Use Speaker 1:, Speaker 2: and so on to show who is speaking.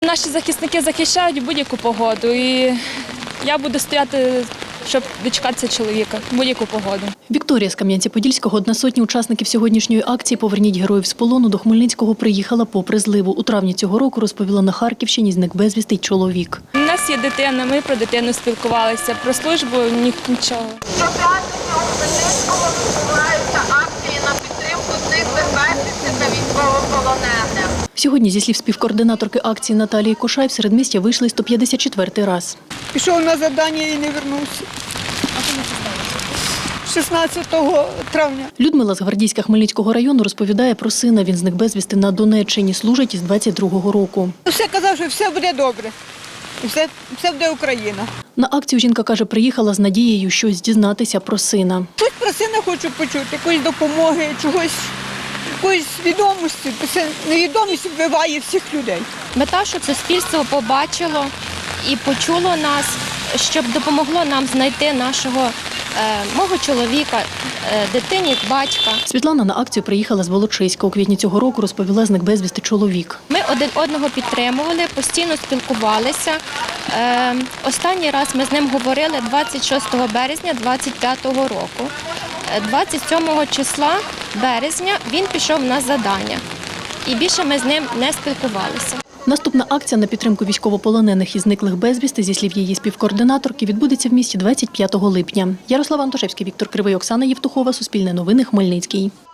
Speaker 1: наші захисники захищають будь-яку погоду. І я буду стояти, щоб дочекатися чоловіка в будь-яку погоду.
Speaker 2: Вікторія з Кам'янця-Подільського, одна з сотні учасників сьогоднішньої акції «Поверніть героїв з полону» до Хмельницького приїхала попри зливу. У травні цього року, розповіла, на Харківщині зник безвісти й чоловік.
Speaker 1: У нас є дитина, ми про дитину спілкувалися, про службу нічого.
Speaker 3: Щоп'ятниці у Хмельницькому відбуваються акції на підтримку зниклих безвісти та військовополонених.
Speaker 2: Сьогодні, зі слів співкоординаторки акції Наталії Кошай, в середмістя вийшли 154-й раз.
Speaker 4: Пішов на завдання і не вернувся. А коли це сталося? 16 травня.
Speaker 2: Людмила з Гвардійська Хмельницького району розповідає про сина. Він зник безвісти на Донеччині, служить із 22-го року.
Speaker 4: Все казав, що все буде добре. І все буде Україна.
Speaker 2: На акцію жінка каже, приїхала з надією щось дізнатися про сина.
Speaker 4: Щось про сина хочу почути, якоїсь допомоги, чогось, якоїсь відомості. Це невідомість вбиває всіх людей.
Speaker 5: Мета, щоб суспільство побачило і почуло нас, щоб допомогло нам знайти нашого мого чоловіка, дитині, батька.
Speaker 2: Світлана на акцію приїхала з Волочиська. У квітні цього року, розповіла, зник безвісти чоловік.
Speaker 5: Ми один одного підтримували, постійно спілкувалися. Останній раз ми з ним говорили 26 березня 25-го року. 27 числа березня він пішов на завдання. І більше ми з ним не спілкувалися.
Speaker 2: Наступна акція на підтримку військовополонених і зниклих безвісти, зі слів її співкоординаторки, відбудеться в місті 25 липня. Ярослава Антошевський, Віктор Кривий, Оксана Євтухова, Суспільне новини, Хмельницький.